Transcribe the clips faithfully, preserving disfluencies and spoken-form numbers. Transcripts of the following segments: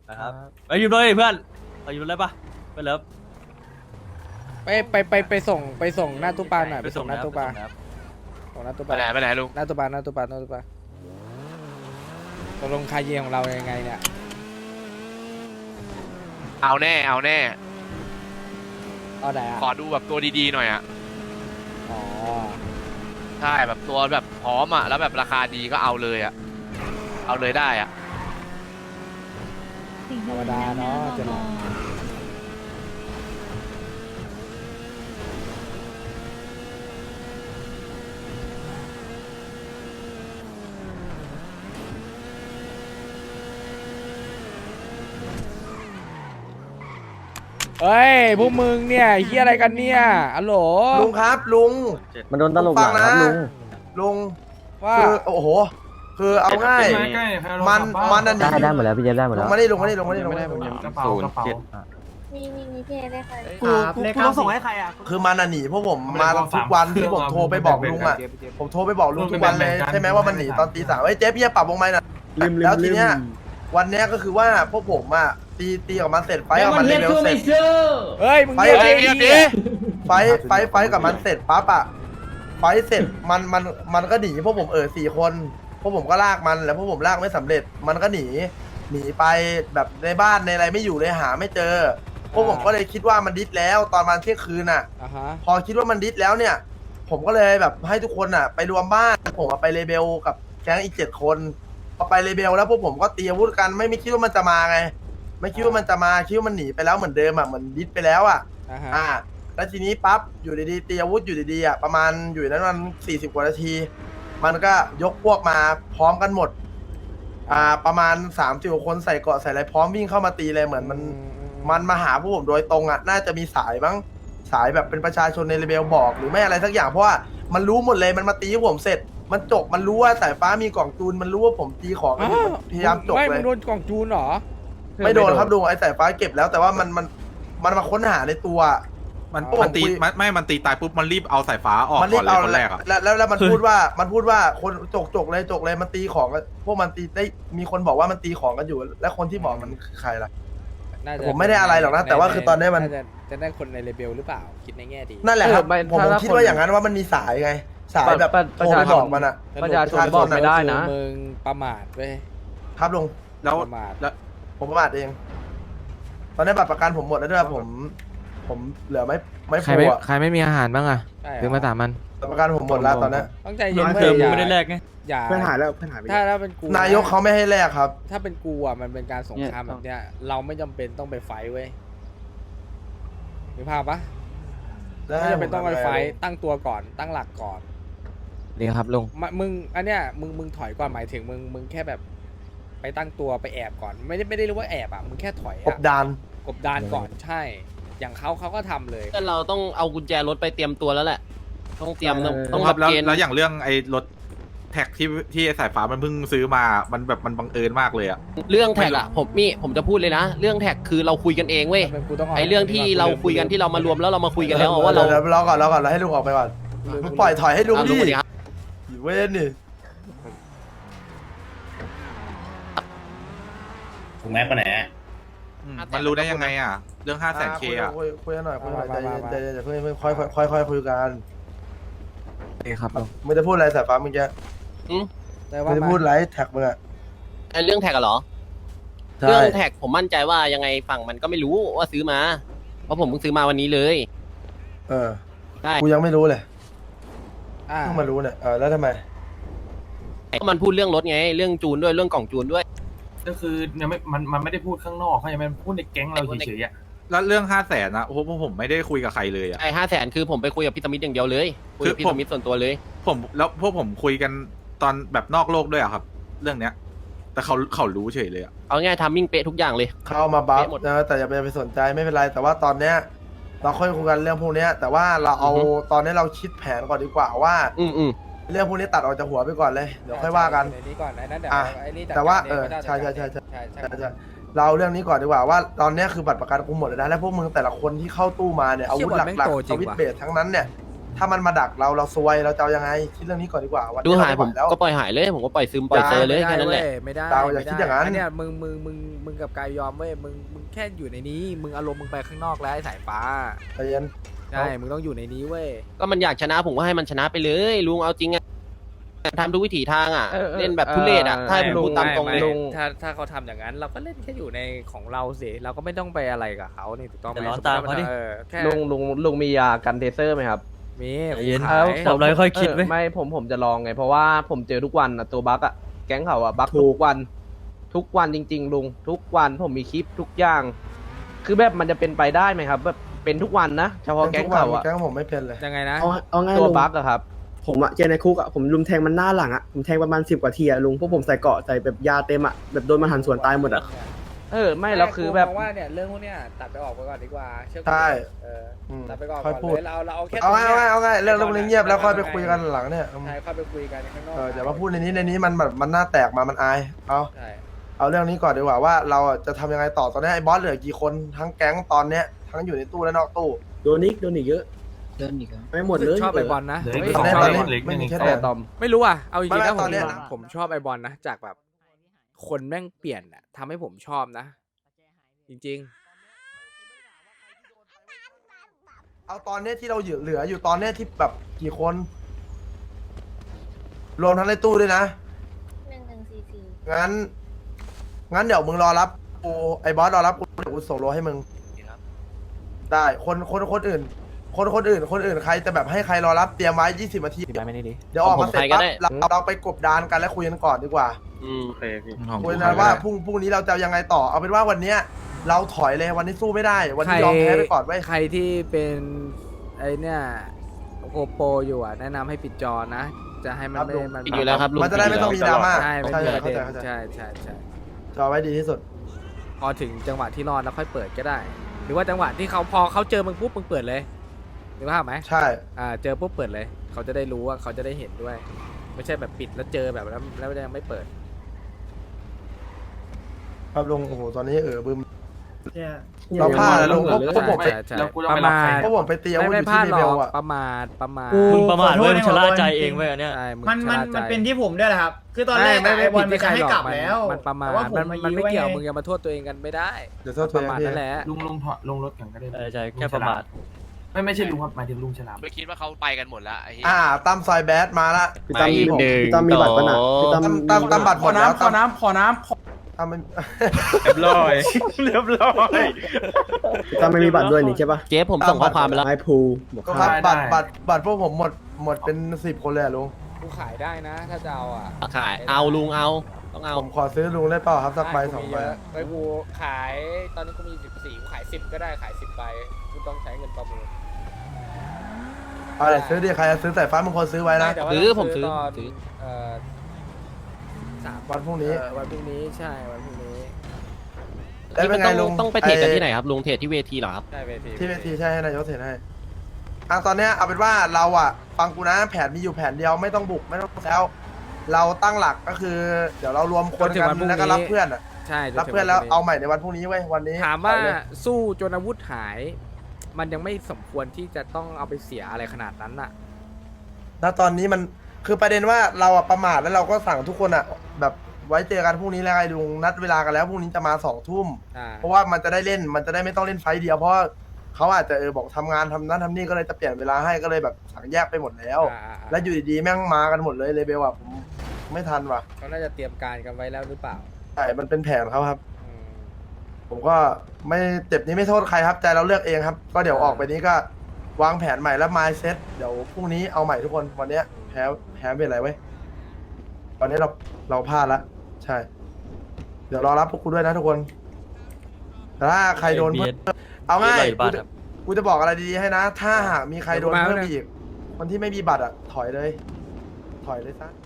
นะครับไปยืมเลยเพื่อนไปยืมเลยปะไปเลิฟไปไปไปไปส่งไปส่งหน้าตู้ปลาหน่อยไปไปส่ส่งงหน้าตู้ปลานะครับส่งหน้าตู้ปไปลาไหนไปไหนลุงหน้าตู้ปลาหน้าตู้ปลาหน้าตู้ปลาตกลงคาเยของเรายังไงเนี่ยเอาแน่เอาแน่เอาไหนอ่ะขอดูแบบตัวดีๆหน่อยอ่ะอ๋อใช่แบบตัวแบบพร้อมอ่ะแล้วแบบราคาดีก็เอาเลยอ่ะเอาเลยได้อ่ะธรรมดาเนาะจะหลอกเฮ้ยพวกมึงเนี่ยเฮียอะไรกันเนี่ยอัลโหลลุงครับลุงมันโดนตลบหลังครับลุงลุงว่าคือโอ้โห คือเอาง่าย มันมันอันได้นี้ได้หมดแล้วพี่เจฟได้หมดลุแล้งวมาได้ลุงมาได้ลุงมาได้ลุงไม่มาได้ได้ผมยังกระเป๋ากระเป๋ามีมีมีพี่ได้ค่ะกูกูกูต้องส่งให้ใครอ่ะคือมันอ่ะหนีพวกผมมาทุกวันที่ผมโทรไปบอกลุงอ่ะผมโทรไปบอกลุงทุกวันเลยใช่ไหมว่ามันหนีตอนตีสามเฮ้ยเจ๊พี่จะปรับวงไม้น่ะแล้วทีเนี้ยวันเนี้ยก็คือว่าพวกผมอ่ะตีตีกับมันเสร็จไฟกับมันเลเวลเสร็จเฮ้ยมึงไปเงียบเฮ้ยดิเงียบดิไฟไฟไฟกับมันเสร็จปั๊บอ่ะไฟเสร็จมันมันมันก็หนีพวกผมเออสี่คนพวกผมก็ลากมันแล้วพวกผมลากไม่สำเร็จมันก็หนีหนีไปแบบในบ้านในอะไรไม่อยู่เลยหาไม่เจอพวกผมก็เลยคิดว่ามันดิสแล้วตอนมันเที่ยงคืนอ่ะอ่าฮะพอคิดว่ามันดิสแล้วเนี่ย ผมก็เลยแบบให้ทุกคนอ่ะ ไปรวมบ้านผมอะไปเลเบลกับแก๊งอีกเจ็ดคนพอไปเลเบลแล้วพวกผมก็ตีอาวุธกันไม่ไม่คิดว่ามันจะมาไง ไม่คิดว่ามันจะมาคิดว่ามันหนีไปแล้วเหมือนเดิมอ่ะเหมือนดิสไปแล้วอ่ะอ่าฮะอ่า แล้วทีนี้ปั๊บอยู่ดีๆตีอาวุธอยู่ดีๆอ่ะประมาณอยู่นั้นมันสี่สิบกว่านาที มันก็ยกพวกมาพร้อมกันหมด อ่าประมาณสามสิบคนใส่เกราะใส่อะไรพร้อมวิ่งเข้ามาตีเลยเหมือนมัน มันมาหาพวกผมโดยตรงอ่ะ น่าจะมีสายบ้างสายแบบเป็นประชาชนในเลเบลบอกหรือไม่อะไรสักอย่างเพราะว่ามันรู้หมดเลยมันมาตีให้ผมเสร็จ มันจกมันรู้ว่าสายฟ้ามีกล่องจูนมันรู้ว่าผมตีของอ้าวมันพยายามจกไม่เลมึยงโดนกล่องจูนเหรอไม่โดนครับลุงไอ้สายฟ้าเก็บแล้ว แต่ว่ามันมันมันมาค้นหาในตัวมันโอ้มันตีคุยมันไม่มันตีตายปุ๊บมันรีบเอาสายฟ้าออกมันรีก่อบ นเลยเอาคนแรกอ่ะแล้วแล้วแล้วมันพูดว่ามันพูดว่าคนจกจกเลยจกเลยมันตีของกันพวกมันตีได้มีคนบอกว่ามันตีของกันอยู่ และคนที่บอกมันคือใครล่ะน่าจะผมไม่ได้อะไรหรอกนะแต่ว่าคือตอนนี้มันาจะจะได้คนในเลเบลหรือเปล่าคิดในแง่ดีนั่นแหละครับเออไม่ผมถ้าผมถ้าคิดคนว่าอย่างนั้นว่ามันมีสายไง สายแบบประโทรไปประชาชนบอกมันอะประชาชนบอกไม่ได้นะคือมึงประมาทเว้ยครับลุงแล้วประมาทแล้วผมประมาทเอง ตอนนี้บัตรประกันผมหมดแล้วด้วยผม ผมเหลือไม่ไม่ใครฟูไม่อะใครไม่มีอาหารบ้างอะใช่เหรอซื้อมาสามมันบัตรประกันผมหมดแล้วตอนนี้ต้องใจเย็นน้อยเว้เติยมอย่าไม่ได้แลกไงอย่าเพื่อนหายแล้วเพื่อนหายไปถ้าถ้าเป็นกูนายกเขาไม่ให้แลกครับถ้าเป็นกูอ่ะมันเป็นการสงครามแบบเนี้ยเราไม่จำเป็นต้องไปไฟท์เว้ยมีภาพปะแล้วไม่ให้จำเป็นต้องไปไฟท์ผมตั้งตัวก่อนตั้งหลักก่อนดีครับลุงมะมึงอันเนี้ยมึงมึงถอยก่อนหมายถึงมึงมึงแค่แบบ ไปตั้งตัวไปแอบก่อน ไม่ได้ไม่ได้เรียกว่าแอบอ่ะมึงแค่ถอยกอ่ะบดานกบดานก่อนใช่ อย่างเขาเขาก็ทำเลยเราต้องเอากุญแจรถไปเตรียมตัวแล้วแหละ ต้องเตรียมต้องต้องคแบรับบ แล้วเกณฑ์แล้วอย่างเรื่องไอ้รถแท็กที่ที่ไอ้สายฟ้ามันเพิ่งซื้อมา มันแบบมันบังเอิญมากเลยอ่ะเรื่องแท็กอะผมนี่ผมจะพูดเลยนะ เรื่องแท็กคือเราคุยกันเองเว้ยเป็นกูต้องไอเรื่องที่เราคุยกันที่เรามารวมแล้วเรามาคุยกันแล้วว่าเราดี๋ยวรอก่อนรอก่อนเราให้ลุงออกไปก่อนปล่อยถอยให้ลุงอ่ะดิลุงสวัสดีครับอยู่เว้นนี่ถูกไหมปะไหนอืมมันรู้ได้ยังไงอ่ะ เรื่องห้าแสนเคอ่ะคุยคุยกันหน่อยคุยหน่อยใจเย็นใจเย็นอย่าเพิ่งอย่าเพิ่งค่อยค่อยค่อยค่อยคุยกันดีครับลุงมึงจะพูดอะไรสายฟ้าเมื่อกี้แต่มึว่างจะมาพูดอะไรแท็กมึงอะไอเรื่องแท็กอะเหรอใช่เรื่องแท็กผมมั่นใจว่ายังไงฝั่งมันก็ไม่รู้ว่าซื้อมา เพราะผมเพิ่งซื้อมาวันนี้เลยเออได้กูยังไม่รู้เลยอ่าเพิ่งมารู้เนี่ยเออแล้วทำไมก็มันพูดเรื่องรถไง เรื่องจูนด้วยเรื่องกล่องจูนด้วยก็คือยังไม่มันมันไม่ได้พูดข้างนอกเขายังไม่พูดในแก๊งเราเฉยๆอ่ะแล้วเรื่องห้าแสนอ่ะโอ้โหพวกผมไม่ได้คุยกับใครเลยอ่ะไอห้าแสนคือผมไปคุยกับพี่สมิธอย่างเดียวเลย คุยกับพี่คือผมสมิธส่วนตัวเลยผมแล้วพวกผมคุยกันตอนแบบนอกโลกด้วยอะครับ เรื่องเนี้ย แต่เขาเขารู้เฉยเลยอ่ะเอาง่ายทามมิ่งเป๊ะทุกอย่างเลยเข้ามาบัฟเป๊ะหมดนะแต่อย่าไปไปสนใจไม่เป็นไร แต่ว่าตอนเนี้ยเราค่อยคุยกันเรื่องพวกเนี้ยแต่ว่าเราเอาอือฮึตอนนี้เราคิดแผนก่อนดีกว่าว่าอืมอืมเรื่องพวกนี้ตัดออกจากหัวไปก่อนเลยเดี๋ยวค่อยว่ากันไอ้นี้ก่อนไอ้นั้นเดี๋ยวอ่ะไอ้นี่จัดแต่ว่าการเออไม่ได้ใช่ใช่ใช่จัดการเองใช่ใช่ใช่ใช่เราเอาเรื่องนี้ก่อนดีกว่าว่าตอนเนี้ยคือบัตรประกันกูหมดเลยนะและพวกมึงแต่ละคนที่เข้าตู้มาเนี่ยอาวุธหลักๆสวิตช์เบสทั้งนั้นเนี่ยถ้ามันมาดักเราเราซวยเราจะเอายังไงคิดเรื่องนี้ก่อนดีกว่าวันดูนี้หายเรผมไไหวแล้วก็ปล่อยหายเลยผมก็ปล่อยซึมปล่อยเซอร์เลยแค่นั้นแหละไม่ได้เราอย่าไม่คิดอย่างนั้นไเนี่ยมึงมึงมึงมึงกับกายยอมเว้ยมึงมึงแค่อยู่ในนี้ มึงอารมณ์มึงไปข้างนอกแล้วไอ้สายฟ้าใจเย็นใช่มึงต้องอยู่ในนี้เว้ยก็มันอยากชนะผมก็ให้มันชนะไปเลยลุงเอาจริงอะทำทุกวิถีทางอะเล่นแบบทุเรศอะถ้าให้ผมพูดตามตรงเลยไม่ไม่ถ้าถ้าเขาทำอย่างนั้น เราก็เล่นแค่อยู่ในของเราสิเราก็ไม่ต้องไปอะไรกับเขานี่ถูกต้องไหมเดี๋ยวร้อนตามเขาดิออแค่ลุงลุงลุงมียากันเทเซอร์ไหมครับมีใจเย็นขายทำอะไรค่อยคิดไหมเไม่ผมผมจะลองไง เพราะว่าผมเจอทุกวันอะตัวบั๊กอะแก๊งเขาอะบั๊กทุกวัน ทุกวันจริง ๆ ลุงทุกวันผมมีคลิปทุกอย่าง คือแบบมันจะเป็นไปได้ไหมครับแบบเป็นทุกวันนะเฉพาะแก๊งเขาอะแก๊งผมไม่เป็นเลยยังไงนะเอาเอาง่ายตัวลุงบั๊กอะครับผมอะเจอในคุกอะผมลุมแทงมันหน้าหลังอะผมแทงประมาณสิบกว่าทีอะลุงพวกผมใส่เกราะใส่แบบยาเต็มอะแบบโดนมันหันสวนตายหมดอะเออไม่แล้วคือแบบมองว่าเนี่ยเรื่องพวกเนี้ยตัดไปออกไปก่อนดีกว่าเชื่อกูใช่เอออืมตัดไปก่อนค่อยก่อนพูดเลยเราเราเอาแค่เอาง่ายตรงนี้ยเอาง่ายเอาง่ายเรื่องเรื่องนี้เงียบแล้วค่อยไปคุยกันหลังเนี่ยใช่ค่อยไปคุยกันข้างนอกเอออย่ามาพูดในนี้ในนี้มันแบบมันหน้าแตกมามันอายเอาใช่เอาเรื่องนี้ก่อนดีกว่าว่าเราจะทำยังไงต่อตอนนี้ไอ้บอสเหลือกี่คนทั้งแก๊งตอนเนี้ยทั้งอยู่ในตู้และนอกตู้โดนอีกโดนอีกเยอะเดินอีกแล้วไม่หมดเลยชอบไอบอลนะเหลือเฮ้อียกสองตคอนนนี้เหล็กไม่หมีนึ่งแค่แต่แต่ตอมไม่รู้อ่ะเอาจริงๆไม่นะไม่ผตอมนเนี้ยผมชอบไอบอลนะจากแบบ คนแม่งเปลี่ยนอ่ะทำให้ผมชอบนะ จริงเอาตอนเนี้ยที่เราเหลืออยู่ตอนเนี้ยที่แบบกี่คน รวมทั้งในตู้ด้วยนะหนึ่งหนึ่งสี่สี่งั้น งั้นเดี๋ยวมึงรอรับกูไอ้บอสรอรับกูเดี๋ยวกูส่งโลให้มึง ได้คนคนคนอื่น คนคนอื่น คนอื่นใครจะแบบให้ใครรอรับเตรียมไว้ยี่สิบนาทีติดไปไม่ได้ดิเดี๋ยวออกมาเสร็จผมใครก็ปั๊บได้เราเราไปกบดานกันแล้วคุยกันก่อนดีกว่าอืมคุยกันว่าพรุ่งพรุ่งนี้เราจะยังไงต่อเอาเป็นว่าวันเนี้ยเราถอยเลยวันนี้สู้ไม่ได้ วันใครนี้ยอมแพ้ไปก่อนไว้ยใครที่เป็นไอเนี่ยโอโปอยู่อ่ะ แนะนำให้ปิดจอนะ จะให้มันไม่มันปิดอยู่แล้วครับลุงมันจะได้ไม่ต้องมีดราม่าใช่ไม่ใช่มีประเข้าเด็ใจนเข้าใจใช่ใช่ใช่จอไว้ดีที่สุดพอถึงจังหวะที่รอดแล้วค่อยเปิดก็ได้ หรือว่าจังหวะที่เขาพอเขาเจอมึงปุ๊บมึงเปิดเลยหรือว่าพไหมใช่อ่าเจอปุ๊บเปิดเลย เขาจะได้รู้ว่าเขาจะได้เห็นด้วย ไม่ใช่แบบปิดแล้วเจอแบบแล้วแล้วยังไม่เปิดครับลุงโอ้โหตอนนี้เออบึมเนี่ยเราพลาดแล้วลุงเพราะเพราะผมไปใช่ใช่แล้วกูต้องไปรับใครเพราะผมไปตีอาไม่วุธอไม่ยู่พลาที่ดเลหรเวอกลอะประมาทประมาทมึงประมาทเว้ยมึงชะล่าใจเองเว้ยอันเนี้ยใช่งมันชะมันล่าใจมันเป็นที่ผมด้วยแหละครับ คือตอนแรกไม่อะไม่ไอ้บอลผิมัดนที่จะให้ใครกลับหรอแล้วมันประมาทแต่ว่าผมมันมามันยื้ไม่อว้เกี่ยวไงมึงอย่ามาโทษตัวเองกันไม่ได้เดี๋ยวโทษปตัวระเองมาทพี่นั่นแหละลุงลุงถอดลงรถกันก็ได้เออใช่แค่ประมาทไม่ไม่ใช่ลุงครับหมายถึงลุงฉลามไม่คิดว่าเขาไปกันหมดแล้วไอ้เหี้ยอ่าตั้มซอยแบดมาละพี่ตั้มไม่หนึ่งพี่ตั้มมีบัตรปะน่ะพี่ตั้มตั้มตั้มตั้มบัตรหมดแล้วขอน้ำขอน้ำขอตั้มไม่เรียบร้อยเรียบร้อยพี่ตั้มไม่มีบัตรด้วยนี่ใช่ปะเจ๊ผมส่งข้อความไปแล้วไอ้ภูบอกก็คค่ารับบัตรบัตรบัตรพวกผมหมดหมดเป็นสิบคนเลยอะลุงกูขายได้นะ ถ้าจะเอาอ่ะขายเอาลุงเอาต้องเอาผมขอซื้อลุงได้เปล่าครับสักใบสองใบไอ้กูขายตอนนี้กูมีสิบสี่กูขายสิบก็ได้ขายสิบใบกูต้องใช้เงินประมูลเอาเลยซื้อดิใครจะซื้อสายฟ้ามึงคนซื้อไว้นะแต่ว่าซื้อต้งผมซื้อตนซื้อเอ่อสามวันพรุ่งนี้เออวันพรุ่งนี้ใช่วันพรุ่งนี้แล้วเป็นไงต้องลุงต้องไปเทรดกันอ้ที่ไหนครับลุงเทรดที่เวทีเหรอครับใช่เวทีที่เวทีใช่ให้นายกเสร็จให้อ่ะตอนเนี้ยเอาเป็นว่าเราอ่ะฟังกูนะแผนมีอยู่แผนเดียวไม่ต้องบุกไม่ต้องแล้ว เราตั้งหลักก็คือ เดี๋ยวเรารวมคนกันแล้วก็รับเพื่อนอ่ะใช่จรับถึงเพื่อนแล้วพรุ่งเอาใหม่ในวันพรุ่งนี้เว้ยวันนี้ถามว่าถอยเลยสู้จนอาวุธหาย มันยังไม่สมควรที่จะต้องเอาไปเสียอะไรขนาดนั้นน่ะณตอนนี้มันคือประเด็นว่าเราอะประมาทแล้วเราก็สั่งทุกคนอะแบบไว้เจอกันพรุ่งนี้แล้วไงลุงนัดเวลากันแล้วพรุ่งนี้จะมาสองทุ่มอ่าเพราะว่ามันจะได้เล่นมันจะได้ไม่ต้องเล่นไฟต์เดียวเพราะว่าเขาอาจจะเออบอกทำงานทำนั้นทำนี่ก็เลยจะเปลี่ยนเวลาให้ก็เลยแบบสั่งแยกไปหมดแล้วอ่าอ่าอ่าแล้วอยู่ดีๆแม่งมากันหมดเลยเลยเบลอะผมไม่ทันว่ะเขาน่าจะเตรียมการกันไว้แล้วหรือเปล่าใช่มันเป็นแผนเขาครับอืมผมก็ไม่เจ็บนี้ไม่โทษใครครับใจเราเลือกเองครับ ก็เดี๋ยวออกไปนี้ก็วางแผนใหม่แล้วมายเซ็ตเดี๋ยวพรุ่งนี้เอาใหม่ทุกคนวันเนี้ยแพ้แพ้เป็นไรเว้ยตอนนี้เราเราพลาดละใช่ เดี๋ยวรอรับพวกคุณด้วยนะทุกคนแต่ถ้าใครโดนเพิ่มเอาง่ายเรียบร้อยอยู่บ้านกูจะครับกูจะบอกอะไรดีๆให้นะ ถ้าหากมีใครโดนเพิ่มอีกคนที่ไม่มีบัตรอ่ะถอยเลย ถอยเลยซะ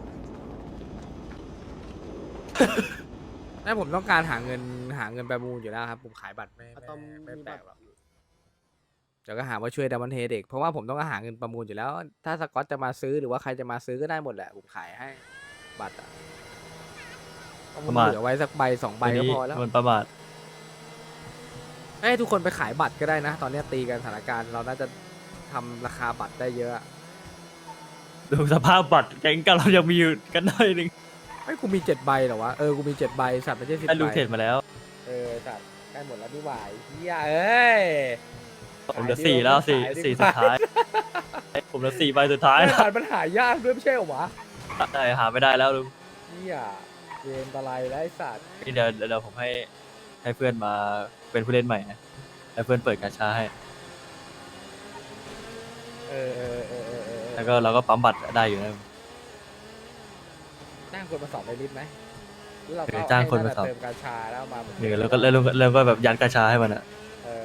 ไม่ผมต้องการหาเงินหาเงินประมูลอยู่แล้วครับ ผมขายบัตรไม่อะตอมไม่มีแปลบัตกรหรอกเดี๋ยวก็หาว่าช่วยดัมเบิลเฮเด็กเพราะว่าผมต้องหาเงินประมูลอยู่แล้ว ถ้าสกอตจะมาซื้อหรือว่าใครจะมาซื้อก็ได้หมดแหละผมขายให้บัตรอ่ะเอาประมาณเหลือไว้สักใบสองใบก็พอแล้วมันประมาทให้ทุกคนไปขายบัตรก็ได้นะ ตอนนี้ตีกันสถานการณ์เราน่าจะทำราคาบัตรได้เยอะอะดูสภาพบัตรแก๊งกันเรายังมีอยู่กันหน่อยหนึงไอ้ยกูมีเจ็ดใบเหรอวะเออกูมีเจ็ดใบสัตว์ไม่ใช่สิบไอ้ลุงใบเทรดมาแล้วเออสัตว์ใกล้หมดแล้วนี่หว่าไอ้เฮียเอ้ยผมเหลือสี่แล้วสี่ขายดีสี่กสุว่าดท้ายผมเหลือสี่ใบสุดท้ายไอ้แล้วบัตรมันหายากด้วยไม่ใช่เหรอวะใช่หาไม่ได้แล้วลุงเฮียเกมอะไรแล้วไอ้สัตว์นี่เดี๋ยวเดี๋ยวผมให้ให้เพื่อนมาเป็นผู้เล่นใหม่นะให้เพื่อนเปิดกาชาให้เออเออเออเออเออแล้วก็เราก็ปั๊มบัตรได้อยู่นะจ้างคนมาสอบในลิสต์ไหมหรือเราเอก็อจ้างคนมาสอบเติมกาชาแล้วเอามาเดี๋ยวแล้วก็แล้วแล้วก็แบบยัดกาชาให้มันอะเออ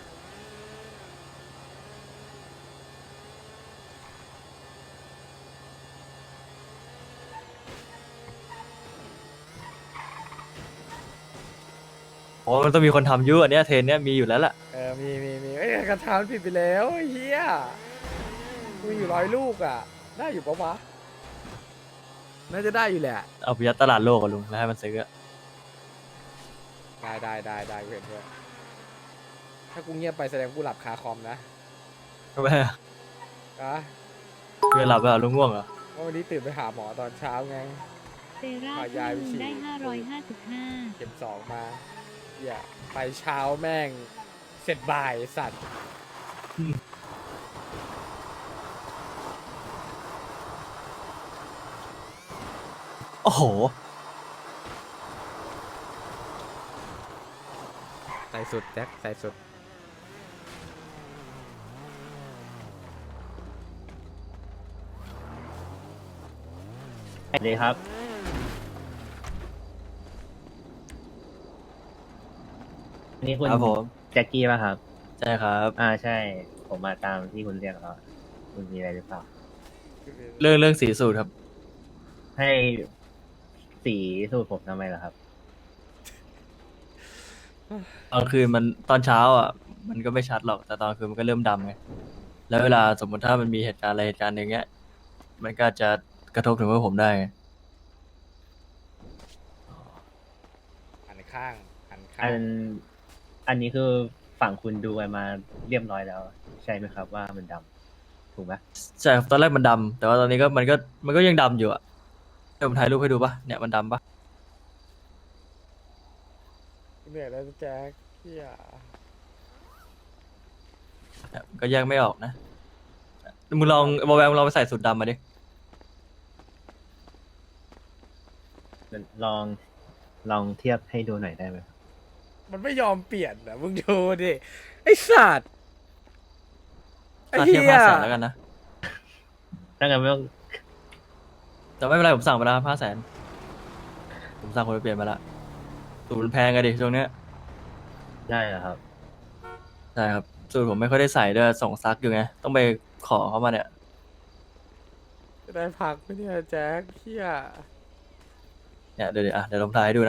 โอ้มันต้องมีคนทำอยุ่อันเนี้ยเทรนเนี้ยมีอยู่แล้วล่ะเออมีมีมีไอ้ยกาชามันผิดไปแล้วไอ้เฮียมีอยู่ร้อยลูกอ่ะได้อยู่ปะวะน่าจะได้อยู่แหละเอาไปยัดตลาดโลกอะลุงแล้วให้มันซื้ออะได้ได้ได้ได้กูเห็นด้วยถ้ากูเงียบไปแสดงกูหลับคาคอมนะทำไมอะอะเพื่อนหลับไปเหรอลุงง่วงเหรอว่าวันนี้ตื่นไปหาหมอตอนเช้าไงเซราขอยายไปฉีดได้ห้าร้อยห้าสิบห้าเข็มสองมาอย่าไปเช้าแม่งเสร็จบ่ายสัตว์โอ้โหใส่สุดแจ็คใส่สุดสวัสดีครับอันนี้คุณครับผมแจ็คกี้ป่ะครับใช่ครับอ่าใช่ ผมมาตามที่คุณเรียกแล้วคุณมีอะไรหรือเปล่าเรื่องเรื่องสีสูตรครับให้สีสูตรผมทำไมล่ะครับตอนคืนมันตอนเช้าอ่ะ มันก็ไม่ชัดหรอกแต่ตอนคืนมันก็เริ่มดำไงแล้วเวลาสมมติถ้ามันมีเหตุการณ์อะไรเหตุการณ์หนึ่งเงี้ย มันก็จะกระทบถึงพวกผมได้ไงหันข้างหันข้าอังน อันนี้คือฝั่งคุณดูกันมาเรียบร้อยแล้ว ใช่ไหมครับว่ามันดำถูกไหมใช่ครับตอนแรกมันดำแต่ว่าตอนนี้ก็มันก็มันก็ยังดำอยู่อ่ะเดี๋ยวผมถ่ายรูปให้ดูปะเนี่ยมันดำปะเหนื่อยแล้วแจ็คเฮียเนี่ยก็แยกไม่ออกนะมึงลองบอลแวร์มึงลองไปใส่สูตรดำมาดิลองลองเทียบให้ดูหน่อยได้ไหมมันไม่ยอมเปลี่ยนนะมึงดูดิไอ้สัตว์ไอ้ถ้าเฮีเทียบยห้าแสนแล้วกันนะถ้างั้นไม่ต้องแต่ไม่เป็นไรผมสั่งมาแล้วห้าแสนผมสั่งคนไปเปลี่ยนมาละสูตรมันแพงอะดิช่วงเนี้ยได้เหรอครับใช่ครับสูตรผมไม่ค่อยได้ใส่ด้วยส่งซักอยู่ไงต้องไปขอเขามาเนี่ยจะได้พักไหมเนี่ยแจ็คเฮียเนี่ยเดี๋ยวเดี๋ยวอ่ะเดี๋ยวลองถ่ายให้ดูนะ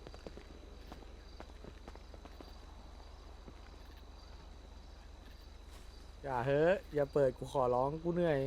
อย่าเฮ้ยอย่าเปิดกูขอร้องกูเหนื่อย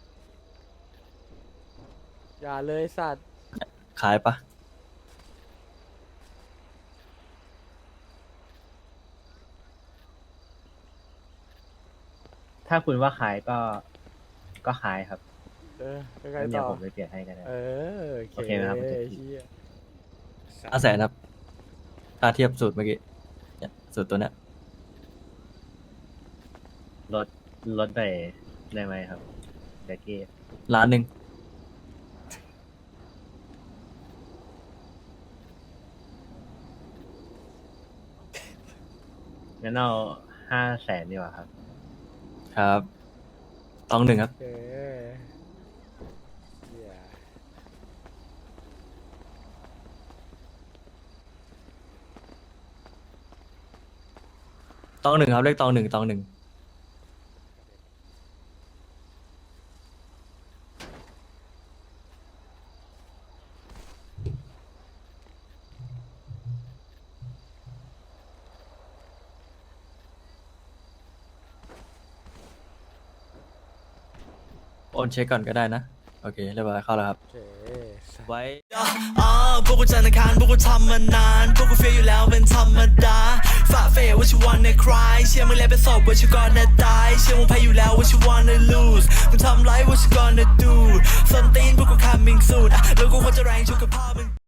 อย่าเลยสัตว์ขายปะถ้าคุณว่าขายก็ก็ขายครับเออยังไงงั้นเดี๋ยต่วอผมไปเปลี่ยนให้ก็ได้เออโอเคโอเคไหมครับคุณแจ็คเฮียห้าแสนครับค่าเทียบสูตรเมื่อกี้เนี่ยสูตรตัวเนี้ยลดลดไปได้ไหมครับแจ็คกี้ล้านหนึ่งงั้นเอาห้าแสนดีกว่าครับครับตองหนึ่งครับโอเคเฮียตองหนึ่งครับเลขตองหนึ่งตองหนึ่ง โอนเช็คก่อนก็ได้นะ โอเคเรียบร้อยเข้าแล้วครับโอเคสัตว์ไว้พวกกูจันทร์อังคารพวกกูทำมานาน พวกกูเฟียอยู่แล้วเป็นธรรมดาฝ่าเฟว่าชิวันในคลายเชื่อมึงแล้วเป็นศพว่าชิวก่อนนะตายเชื่อมึงแพ้อยู่แล้วว่าชิวันใน lose มึงทำไรว่าชิวก่อนนะ do ส้นตีนพวกกู coming soon อ่ะแล้วกูควรจะแรงชุกกับพ่อมึง